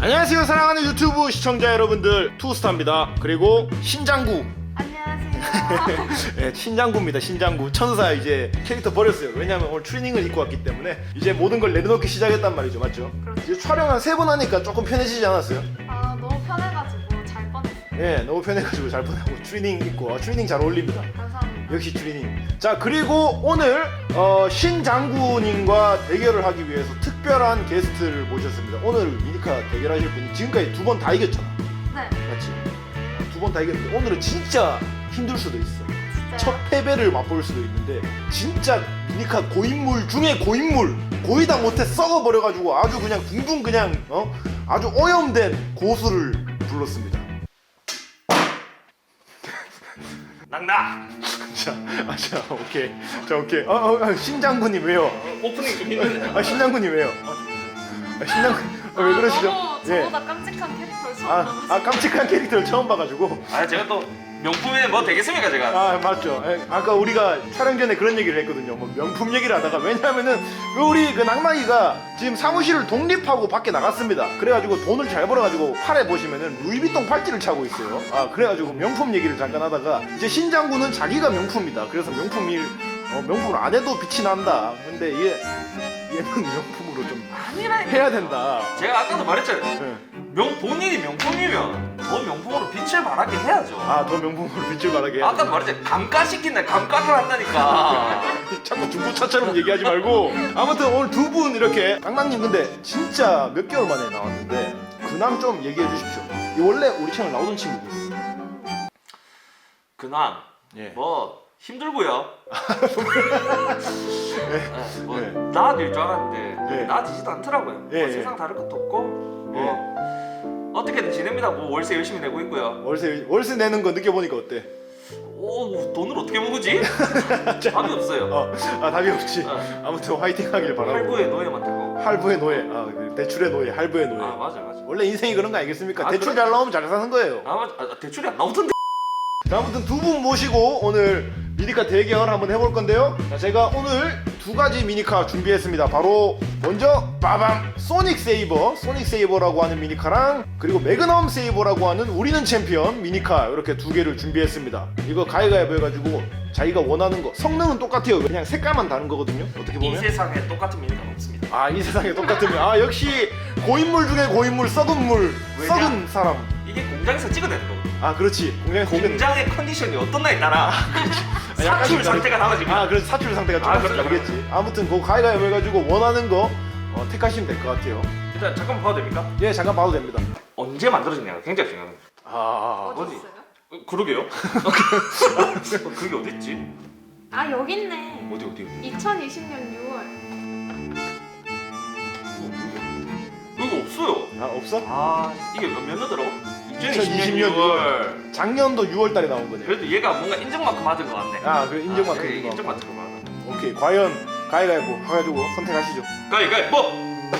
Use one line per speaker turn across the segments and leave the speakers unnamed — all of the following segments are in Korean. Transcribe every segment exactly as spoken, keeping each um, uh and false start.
안녕하세요 사랑하는 유튜브 시청자 여러분들, 투스타입니다. 그리고 신장구.
안녕하세요.
네, 신장구입니다. 신장구 천사. 이제 캐릭터 버렸어요. 왜냐면 오늘 트레이닝을 입고 왔기 때문에 이제 모든 걸 내려놓기 시작했단 말이죠. 맞죠?
그렇죠.
이제 촬영 한 세 번 하니까 조금 편해지지 않았어요?
아 너무 편해가지고 잘 뻔했어요.
네, 너무 편해가지고 잘 뻔하고 트레이닝 입고. 아, 트레이닝 잘 어울립니다.
감사합니다.
역시 트레이닝. 자, 그리고 오늘 어, 신장구님과 대결을 하기 위해서 특별한 게스트를 모셨습니다. 오늘 미니카 대결하실 분이 지금까지 두 번 다 이겼잖아.
네.
맞지? 두 번 다 이겼는데 오늘은 진짜 힘들 수도 있어.
진짜요?
첫 패배를 맛볼 수도 있는데 진짜 미니카 고인물 중에 고인물, 고이다 못해 썩어버려가지고 아주 그냥 둥둥 그냥 어 아주 오염된 고수를 불렀습니다.
낙낙!
자, 아, 자, 오케이, 자, 오케이. 어, 어, 어, 신장군님 왜요?
오프닝 좀 힘드네.
아, 신장군님 왜요? 아, 신장군 어, 왜 그러시죠?
너무 저보다 깜찍한 캐릭터를 처음
아,
봐가지고.
아 깜찍한 캐릭터를 처음 봐가지고.
아 제가 또 명품에 뭐 되겠습니까 제가?
아 맞죠. 에, 아까 우리가 촬영 전에 그런 얘기를 했거든요. 뭐 명품 얘기를 하다가, 왜냐하면은 그 우리 그 낭만이가 지금 사무실을 독립하고 밖에 나갔습니다. 그래가지고 돈을 잘 벌어가지고 팔에 보시면은 루이비통 팔찌를 차고 있어요. 아 그래가지고 명품 얘기를 잠깐 하다가 이제 신장군은 자기가 명품이다. 그래서 명품일 어, 명품을 안 해도 빛이 난다. 근데 얘 얘는 명품으로 좀
아니라니까.
해야 된다.
제가 아까도 말했잖아요.
네.
명 본인이 명품이면 더 명품으로 빛을 발하게 해야죠.
아더 명품으로 빛을 발하게 해야
아까도
된다.
말했잖아요. 감가시킨다 감가를 한다니까.
자꾸 중고차처럼 얘기하지 말고. 아무튼 오늘 두 분 이렇게. 낭낭님 근데 진짜 몇 개월 만에 나왔는데 근황 좀 얘기해 주십시오. 이 원래 우리 채널 나오던 친구분.
근황
예.
뭐 힘들고요. 네, 뭐
네.
나아질 줄 알았는데
네.
나아지지도 않더라고요.
예,
뭐
예.
세상 다를 것도 없고 뭐 어떻게든 지냅니다. 뭐 월세 열심히 내고 있고요.
월세 월세 내는 거 느껴보니까 어때?
오 돈을 어떻게 모으지? 답이 없어요.
어, 아 답이 없지.
어.
아무튼 화이팅 하길 바라고.
할부에 노예만 타고.
할부의 노예. 아 대출의 노예, 할부의 노예.
아 맞아 맞아.
원래 인생이 그런 거 아니겠습니까?
아,
대출
그래?
잘 나오면 잘 사는 거예요.
아 맞아. 아, 대출이 안 나오던데.
자, 아무튼 두 분 모시고 오늘 미니카 대결 한번 해볼 건데요. 자, 제가 오늘 두 가지 미니카 준비했습니다. 바로 먼저 빠밤 소닉 세이버, 소닉 세이버라고 하는 미니카랑 그리고 매그넘 세이버라고 하는 우리는 챔피언 미니카, 이렇게 두 개를 준비했습니다. 이거 가위가위보 해가지고 자기가 원하는 거. 성능은 똑같아요. 그냥 색깔만 다른 거거든요. 어떻게
이
보면.
세상에 똑같은 미니가 없습니다.
아, 이 세상에 똑같으면 아 역시 고인물 중에 고인물, 썩은 물,
왜냐?
썩은 사람.
이게 공장에서 찍어내는 거거든.
아 그렇지. 공장에 공장.
공장의 컨디션이 어떤 나에 따라
아, 약간
사출
좀
상태가 달라집니다.
아 그래서 사출 상태가
아,
조금씩
그렇죠,
다르겠지. 아무튼 그 가위가위보 해가지고 원하는 거 어, 택하시면 될 것 같아요.
일단 잠깐만 봐도 됩니까?
예, 잠깐 봐도 됩니다.
언제 만들어졌냐가 굉장히 중요합니다.
아,
어디?
어딨어요?
어, 그러게요. 어, 그게 어딨지?
아 여기 있네.
어디 어디 어디?
이천이십 년 유월.
이거 없어요.
아 없어?
아 이게 몇 년도더라고?
이천이십 년 유월. 작년도 유월 달에 나온 거네.
그래도 얘가 뭔가 인정만큼 받은 것 같네.
아, 그 인정만큼
아, 그래,
있는 거.
인정만큼 받은.
오케이, 과연 가위가위보 해가지고 선택하시죠.
가위가위 뭐?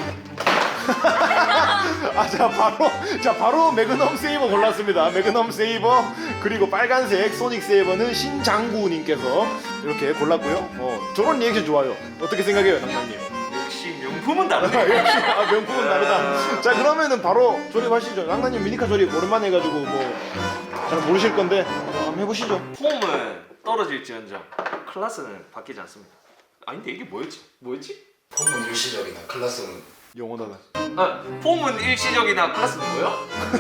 아, 자 바로 자 바로 매그넘 세이버 골랐습니다. 매그넘 세이버 그리고 빨간색 소닉 세이버는 신장구님께서 이렇게 골랐고요. 어, 저런 리액션 좋아요. 어떻게 생각해요, 낭낭님?
역시 명품은
아,
다르네.
역시 아, 명품은 다르다. 자 그러면은 바로 조립하시죠. 낭낭님 미니카 조립 오랜만에 해가지고 뭐 잘 모르실 건데 어, 한번 해보시죠.
폼은 떨어질지언정 클래스는 바뀌지 않습니다. 아닌데 이게 뭐였지? 뭐였지?
폼은 일시적이나 클래스는
영원하다.
아 폼은 일시적이나 클래스는 뭐야?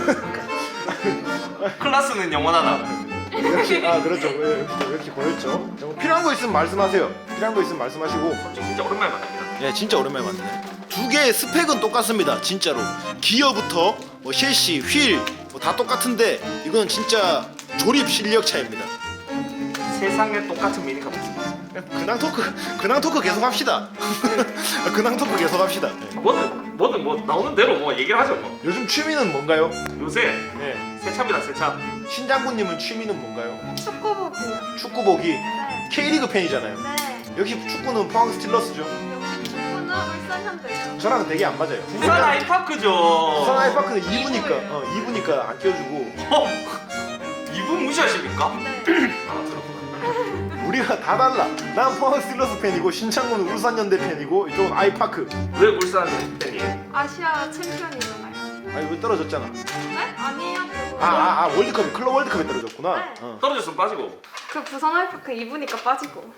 클래스는 영원하다.
역시 아 그렇죠. 예, 역시 역시 보였죠. 자, 뭐 필요한 거 있으면 말씀하세요. 필요한 거 있으면 말씀하시고.
진짜 오랜만에 만납니다.
예, 진짜 오랜만에 만드네. 두 개의 스펙은 똑같습니다. 진짜로. 기어부터 뭐 셰시, 휠 뭐 다 똑같은데 이건 진짜 조립 실력 차이입니다.
세상에 똑같은 미니가 없습니다.
그냥 근황 토크, 근황 토크 계속 합시다. 근황 토크 계속 합시다. 예.
뭐든 뭐든 뭐 나오는 대로 뭐 얘기를 하죠 뭐.
요즘 취미는 뭔가요?
요새
예.
세차입니다 세차.
신장군님은 취미는 뭔가요?
축구 보기요.
축구 보기.
네.
K리그 팬이잖아요.
네.
역시 축구는 포항 스틸러스죠.
역시 축구는 울산 현대요.
저랑 되게 안 맞아요.
부산 아이파크죠.
부산 아이파크는 이 부니까
이부예요.
어, 이 부니까 안 껴주고.
어? 이분 무시하십니까?
네.
아 들었구나.
우리가 다 달라. 난 포항 스틸러스 팬이고 신창문은 울산연대 팬이고 이쪽은 아이파크.
왜 울산 팬이에요?
아시아 챔피언이잖아요.
아니 왜 떨어졌잖아.
네? 아니에요. 그거.
아, 아, 아 월드컵 클럽 월드컵에 떨어졌구나.
네.
어.
떨어졌으면 빠지고.
그 부산 알파크 입으니까 빠지고.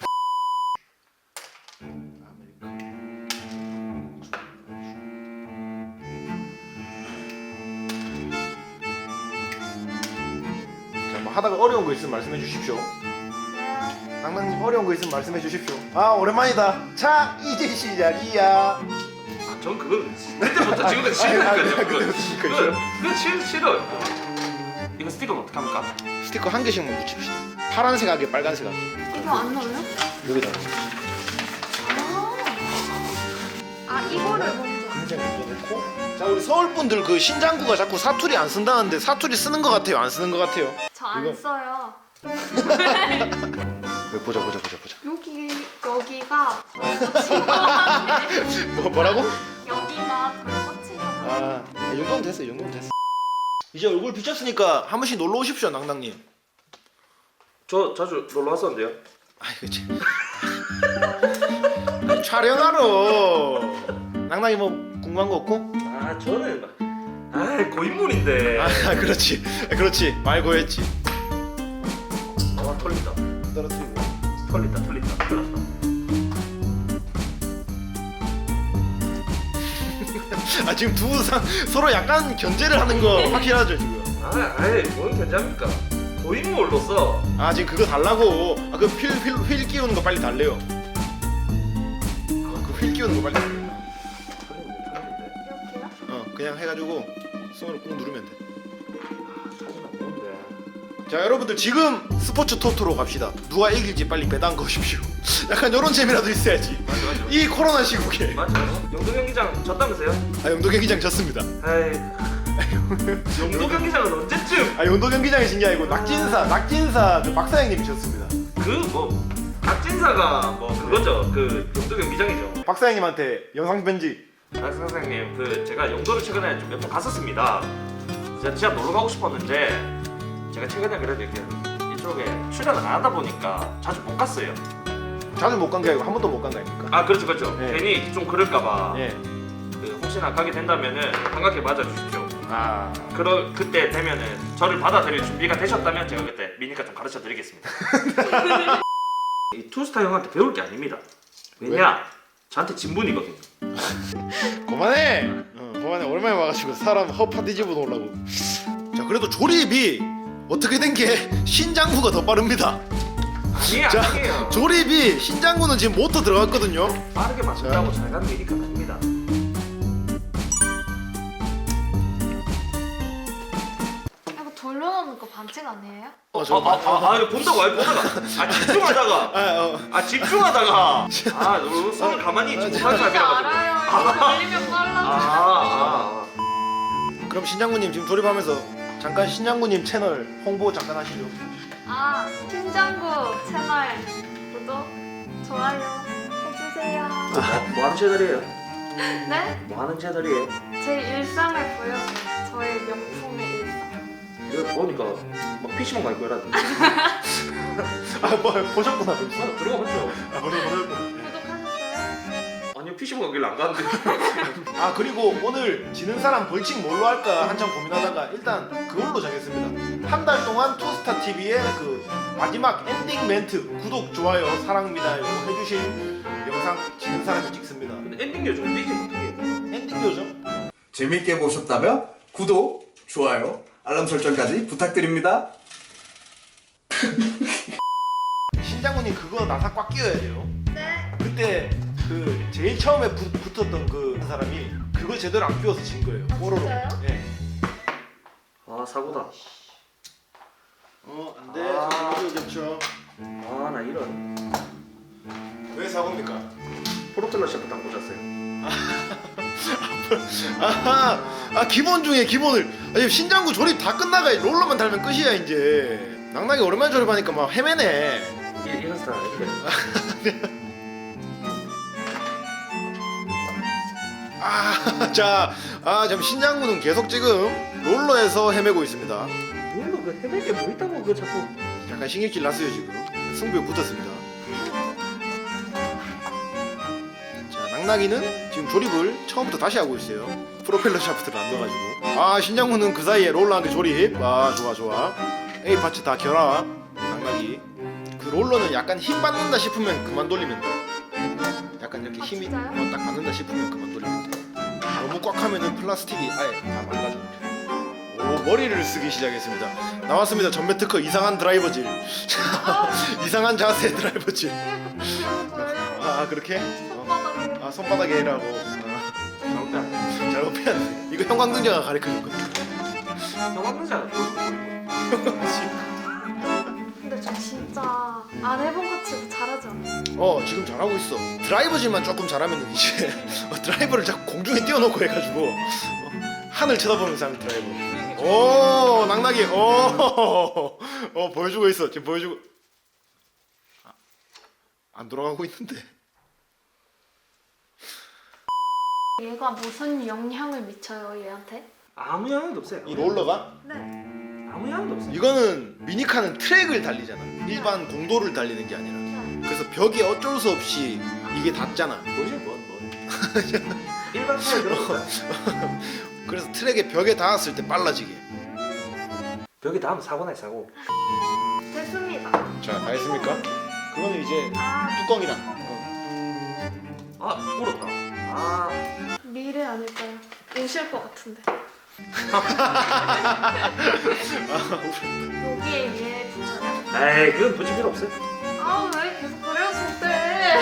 자, 뭐 하다가 어려운 거 있으면 말씀해 주십시오. 낭낭님 어려운 거 있으면 말씀해 주십시오. 아 오랜만이다. 자 이제 시작이야.
아, 전 그건 그때부터 지금까지 싫다니까요. 그건
그때부터
그건 그건 싫 싫어. 이거 스티커는 어떻게 합니까?
스티커 한 개씩만 붙입시다. 파란색 하게 빨간색 하게.
이거 안 넣어요?
여기다.
아, 아 이거를 먼저.
금색 넣고. 자 우리 서울 분들 그 신장구가 자꾸 사투리 안 쓴다는데 사투리 쓰는 것 같아요? 안 쓰는 것 같아요?
저 안
이거-
써요.
왜 보자 보자 보자 보자.
여기 여기가 덜
뭐 뭐라고?
여기가 덜 꽂히잖아.
아, 이 정도면 됐어, 이 정도면 됐어. 이제 얼굴 비쳤으니까 한 번씩 놀러 오십시오, 낭낭님.
저 자주 놀러 왔었는데요.
아이, 그치. 아니, 촬영하러. 낭낭이 뭐 궁금한 거 없고?
아 저는 막- 아 고인물인데.
아, 그렇지, 그렇지. 말고 했지.
아 털린다.
떨어뜨리고.
털린다 털린다 털렸다.
아, 지금 두 상 서로 약간 견제를 하는 거 확실하죠, 지금.
아 아이 뭔 견제합니까? 고인물로서
아, 지금 그거 달라고. 아, 그 휠, 휠, 휠 끼우는 거 빨리 달래요. 아, 그 휠 끼우는 거 빨리 달래요.
털리는데 털리는데.
이렇게요?
어, 그냥 해가지고 손으로 꾹 누르면 돼.
사진 안 보는데.
자 여러분들 지금 스포츠 토토로 갑시다. 누가 이길지 빨리 배당 거십시오. 약간 이런 재미라도 있어야지.
맞아 맞아.
이 코로나 시국에.
맞아. 영도 경기장 졌다면서요?
아 용도 경기장 졌습니다.
아이. 영도 경기장은 언제쯤?
아 용도 경기장이 진 게 아니고 낙진사 낙진사 그 박사장님이 졌습니다.
그 뭐 박진사가 뭐 그거죠. 그 영도 경기장이죠.
박사장님한테 영상 편지.
박 선생님 그 제가 영도를 최근에 좀 몇 번 갔었습니다. 제가 진짜 놀러 가고 싶었는데 제가 최근에 그래도 이렇게 이쪽에 출연을 안 하다 보니까 자주 못 갔어요.
자주 못 간 게 아니고 한 번도 못 간 거 아닙니까?
아 그렇죠 그렇죠.
네.
괜히 좀 그럴까봐.
예.
그 혹시나 가게 된다면은 반갑게 맞아주십시오.
아
그러 그때 되면은 저를 받아들일 준비가 되셨다면 제가 그때 미니카 좀 가르쳐 드리겠습니다. 이 투스타 형한테 배울 게 아닙니다. 왜냐? 저한테 진분이거든요.
그만해. 어, 그만해. 오랜만에 와가지고 사람 허파 뒤집어 놓으려고. 자 그래도 조립이 어떻게 된 게 신장구가 더 빠릅니다.
아니에요
자,
아니에요.
조립이 신장구는 지금 모터 들어갔거든요.
빠르게 맞춘다고 잘 가는 미니카 아닙니다.
이거 돌려놓는 거 반칙 아니에요?
어,
아,
저,
아, 아, 아, 이거 본다고, 아, 보다가, 아, 집중하다가,
아, 어.
아, 집중하다가, 아, 너 손을 가만히 있지 못하는
진짜
사람이라가지고.
알아요. 이거 돌리면
아,
빨라져.
아,
그럼 신장구님 지금 조립하면서 잠깐 신장구님 채널 홍보 잠깐 하시죠.
아, 팀장구 채널 구독, 좋아요 해주세요.
아. 뭐, 뭐 하는 채널이에요?
네?
뭐 하는 채널이에요?
제 일상을 보여줘요. 저의 명품의 일상.
이거 보니까, 막 피시방 갈 거라도.
아, 뭐 보셨구나 벌써.
아, 들어가 봤죠?
아, 벌써 보셨구나.
구독하셨어요?
아니요, 피시방 가길래 안 가는데.
아 그리고 오늘 지는 사람 벌칙 뭘로 할까 한참 고민하다가 일단 그걸로 정했습니다. 한 달 동안 투스타 티비의 그 마지막 엔딩 멘트 구독 좋아요 사랑합니다 이거 해주실 영상 지는 사람이 찍습니다.
근데 엔딩 요즘 삐지 못해.
엔딩 요정.
재밌게 보셨다면 구독, 좋아요, 알람 설정까지 부탁드립니다.
신장군님 그거 나사 꽉 끼워야 돼요.
네.
그때 그 제일 처음에 붙, 붙었던 그 사람이 그거 제대로 안 끼워서 진 거예요. 뽀로로.
진짜요?
예.
아, 사고다.
어 안돼.
아.
겹쳐.
아, 나 이런.
왜 사고입니까?
프로펠러 샤프 담고 잤어요.
아하, 아 기본 중에 기본을. 아니 신장구 조립 다 끝나가 롤러만 달면 끝이야 이제. 낭낭이 오랜만에 조립하니까 막 헤매네.
이, 이런 스타일 아닌데.
아, 자, 아, 지금 신장군은 계속 지금 롤러에서 헤매고 있습니다.
물론 그 헤매게 뭐 있다고 그 자꾸.
약간 신경질 났어요 지금. 승부에 붙었습니다. 자, 낙낙이는 지금 조립을 처음부터 다시 하고 있어요. 프로펠러 샤프트를 안 넣어가지고. 아 신장군은 그 사이에 롤러한테 조립. 아 좋아 좋아. A 파츠 다 결합. 낙낙이. 그 롤러는 약간 힘 받는다 싶으면 그만 돌리면 돼. 약간 이렇게
아,
힘이
진짜요?
어, 딱 받는다 싶으면 그만 돌리면 돼. 너무 꽉 하면은 플라스틱이 아예 다 망가져. 오 머리를 쓰기 시작했습니다. 나왔습니다. 전매 특허 이상한 드라이버질. 이상한 자세 드라이버질.
보여줘요.
아 그렇게? 어.
손바닥에.
아 손바닥에 해라고. 아, 잘못 빼앗네. 이거 형광등자가 가르쳐준 거야.
형광등자.
근데 저 진짜 안 해본 것 치고 잘하지 않아요?
어 지금 잘하고 있어. 드라이버질만 조금 잘하면 이제 어, 드라이버를 자꾸 공중에 띄워놓고 해가지고 어, 하늘 쳐다보면서 하는 드라이버. 오 낙낙이 오 어, 보여주고 있어. 지금 보여주고. 아, 안 돌아가고 있는데.
얘가 무슨 영향을 미쳐요 얘한테?
아무 영향도 없어요.
이 롤러가
네.
아무 영향도 없어요.
이거는 미니카는 트랙을 달리잖아. 일반 공도를 달리는 게 아니라. 그래서 벽에 어쩔 수 없이 이게 닿잖아.
뭐지 뭐 뭐. 일반 차에 들어갔어요.
그래서 트랙에 벽에 닿았을 때 빨라지게.
벽에 닿으면 사고 나요 사고.
됐습니다.
자, 다 했습니까? 그거는 이제
아
뚜껑이랑.
아 울었다. 아
미래 아닐까요? 우실 것 같은데. 여기에 얘 붙여요?
에이 그건 붙일 필요 없어요.
아 왜 계속 그래요 저때?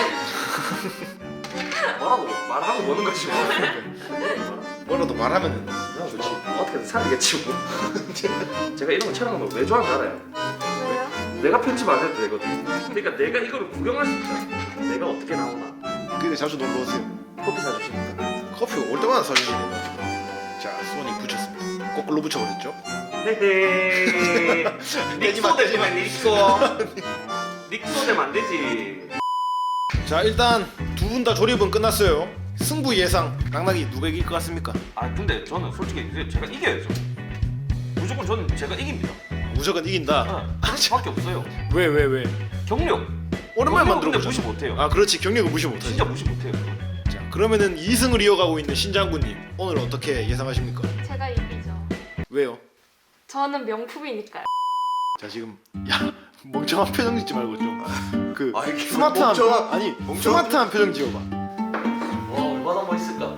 뭐라고 말하고 노는 거지 뭐.
뭐라도 말하면은
그냥 좋지. 어떻게든 살리겠지 뭐. 제가 이런 거 촬영하는 걸 왜 좋아하는지 알아요?
왜요?
내가 편집 안 해도 되거든. 그러니까 내가 이거를 구경할 수 있잖아. 내가 어떻게 나오나.
근데 자주 놀러 오세요.
커피 사주시니까.
커피 올 때마다 사주시네요. 자, 소니 붙였습니다. 거꾸로 붙여버렸죠?
헤헤.
떼지 마,
닉소
떼지 마.
되면 닉소. 닉소 되면 안 되지.
자, 일단 두 분 다 조립은 끝났어요. 승부 예상. 낙낙이 누가 이길 것 같습니까?
아 근데 저는 솔직히 이제 제가 이겨야죠. 무조건 저는 제가 이깁니다.
무조건 이긴다.
어, 그럴 수밖에 없어요.
왜, 왜, 왜?
경력.
오랜만에
경력은 근데
만들어보자.
무시 못해요.
아, 그렇지. 경력은 무시 못하지.
진짜 무시 못해요.
자, 그러면은 이 승을 이어가고 있는 신장군님. 오늘 어떻게 예상하십니까?
제가 이기죠.
왜요?
저는 명품이니까요.
자, 지금 야 멍청한 표정 짓지 말고 좀 그
아, 이게
스마트한
멍청한-
아니
멍청한
스마트한 표정 지어봐.
와 얼마나 멋있을까.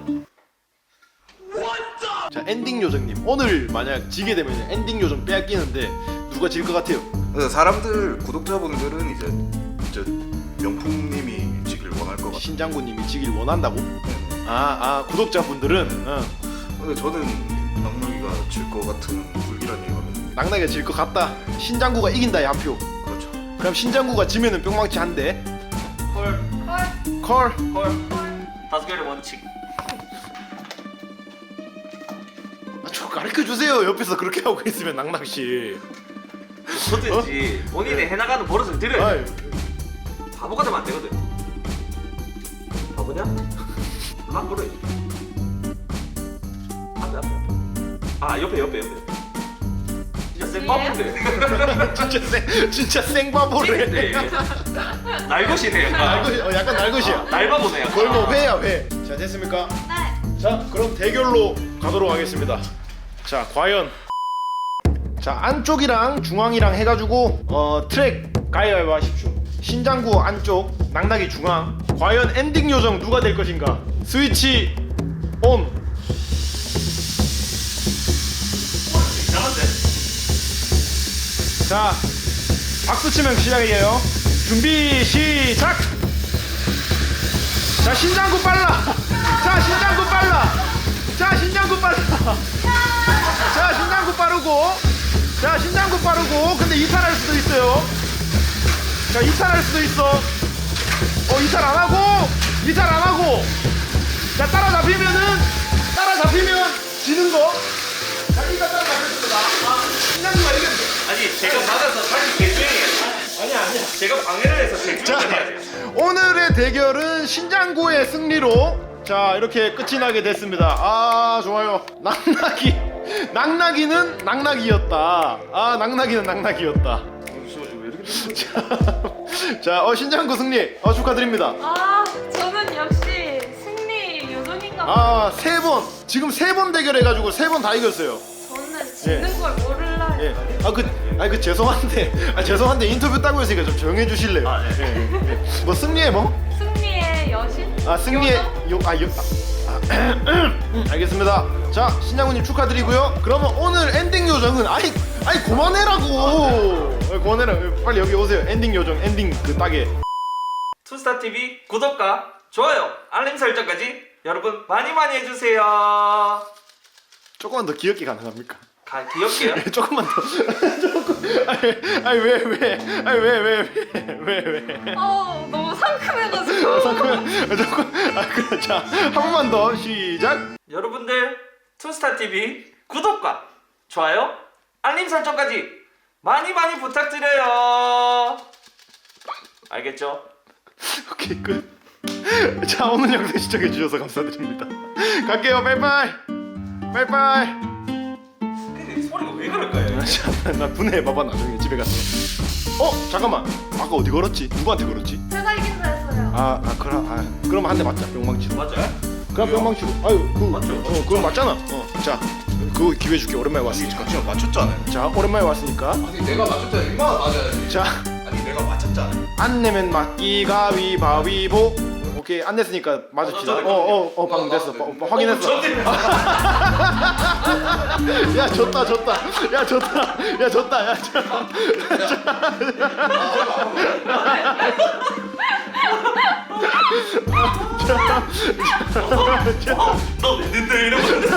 자, 엔딩 요정님. 오늘 만약 지게 되면 엔딩 요정 빼앗기는데 누가 질 것 같아요?
그래서 사람들 구독자분들은 이제 이제 명품님이 지길 원할 것 같아요.
신장군님이 지길 원한다고? 아, 아 구독자분들은 어.
근데 저는 낙낙이가 질 것 같은 불길한 예감이.
낙낙이가 질 것 같다. 신장구가 이긴다에 한 표.
그렇죠.
그럼 신장구가 지면은 뿅망치 한 대.
헐.
헐,
컬.
헐. 다섯 개의 원칙.
아, 저 가르쳐 주세요. 옆에서 그렇게 하고 있으면 낙낙 씨.
뭐든지 본인이 해나가는 버릇을 들여야 돼.
아이,
바보가 되면 안 되거든. 바보냐? 막 그래. 앞에 앞에. 아 옆에 옆에 옆에. 진짜 센 바보인데.
진짜 생 진짜 생바보를 해.
찐인데. 날것이네 약간.
날것이, 어, 약간 날것이야.
날바보네 약간.
거의 뭐 회야 회. 자, 됐습니까?
네.
자, 그럼 대결로 가도록 하겠습니다. 자, 과연 자 안쪽이랑 중앙이랑 해가지고 어 트랙 가위바위보 하십시오. 신장구 안쪽, 낙낙이 중앙. 과연 엔딩 요정 누가 될 것인가? 스위치 온.
이상한데.
자, 박수 치면 시작이에요. 준비 시작. 자, 신장구 빨라. 자, 신장구 빨라. 자, 신장구 빨라. 자, 신장구 빠르고. 자, 신장구 빠르고. 근데 이탈할 수도 있어요. 자, 이탈할 수도 있어. 어, 이탈 안 하고. 이탈 안 하고. 자, 따라잡히면은 따라잡히면 지는 거. 자기가 따라잡혔습니다. 아, 신장구가 이겼네.
아니 제가 받아서 다시 개주행해요.
아니야, 아니야.
제가 방해를 해서 개주행을
자,
해야 돼요.
오늘의 대결은 신장구의 승리로 자 이렇게 끝이 나게 됐습니다. 아 좋아요. 낙낙이 낙낙이는 낙낙이었다. 아 낙낙이는 낙낙이었다.
왜 이렇게
자, 어 신장구 승리 어 축하드립니다.
아 저는 역시 승리
아, 세 번. 지금 세 번 대결해가지고 세 번 다 이겼어요.
저는 지는 걸 몰라요.
예. 아, 그, 아, 그 죄송한데, 아, 죄송한데 인터뷰 따고 있으니까 좀 조용해 주실래요?
아, 네.
예. 예. 뭐 승리의 뭐?
승리의 여신?
아, 승리의 요, 아, 요, 아, 아, 알겠습니다. 자, 신장군님 축하드리고요. 그러면 오늘 엔딩 요정은 아이, 아이 그만해라고. 아, 그만해라. 빨리 여기 오세요. 엔딩 요정, 엔딩 그 따게.
투스타티비 구독과 좋아요, 알림 설정까지 여러분 많이 많이 해주세요.
조금만 더 귀엽게 가능합니까?
가, 귀엽게요?
조금만 더. 조금. 아니, 아니 왜 왜? 아니 왜 왜 왜 왜 왜?
어 너무 상큼해가지고.
잠깐만. 조금. 아 그래. 자, 한 번만 더 시작.
여러분들 투스타티비 구독과 좋아요, 알림 설정까지 많이 많이 부탁드려요. 알겠죠?
오케이 끝. 자, 오늘 영상 시청해 주셔서 감사드립니다. 갈게요. 바이바이. 바이바이.
근데 소리가 왜 그럴까요?
자, 나 분해해 봐봐 나중에 집에 가서. 어 잠깐만. 아까 어디 걸었지? 누구한테 걸었지?
제가 이긴다 했어요.
아, 아 그럼 아 그럼 한 대 맞자. 뿅망치로.
맞아요?
그럼 뿅망치로. 아유 그
맞죠?
어 그거 맞잖아. 어. 자, 그거 기회 줄게. 오랜만에 왔으니까.
지금 맞췄잖아요.
자, 오랜만에 왔으니까.
아니 내가 맞췄잖아. 인마가 맞아야지.
자,
아니 내가 맞췄잖아.
안 내면 맞기 가위바위보. 오케이, 안 냈으니까 맞읍시다.
어, 저, 저,
어어 어 방금 됐어. 어, 어, 확인했어. 야 졌다 졌다. 야 졌다. 야 졌다. 야 졌다.
너 냈는데 이러면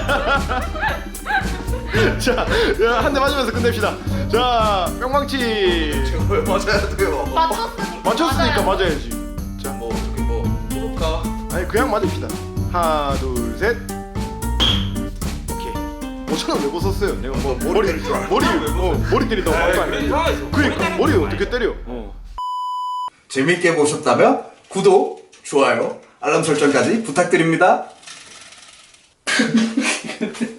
자, 한 대 맞으면서 끝냅시다. 자, 뿅망치.
지금 왜 맞아야 돼요?
맞췄으니까.
맞췄으니까
맞아요.
맞아야지.
자, 뭐 어떻게 뭐 해볼까?
아니 그냥 맞읍시다. 하나, 둘, 셋. 오케이. 오천 원 왜 벗었어요? 내가 뭐
머리
머리
때릴 줄 알고.
머리 어 머리 때린다고 말도 안 돼.
상황에서
그러니까 머리 어떻게 때려? 어.
재밌게 보셨다면 구독, 좋아요, 알람 설정까지 부탁드립니다.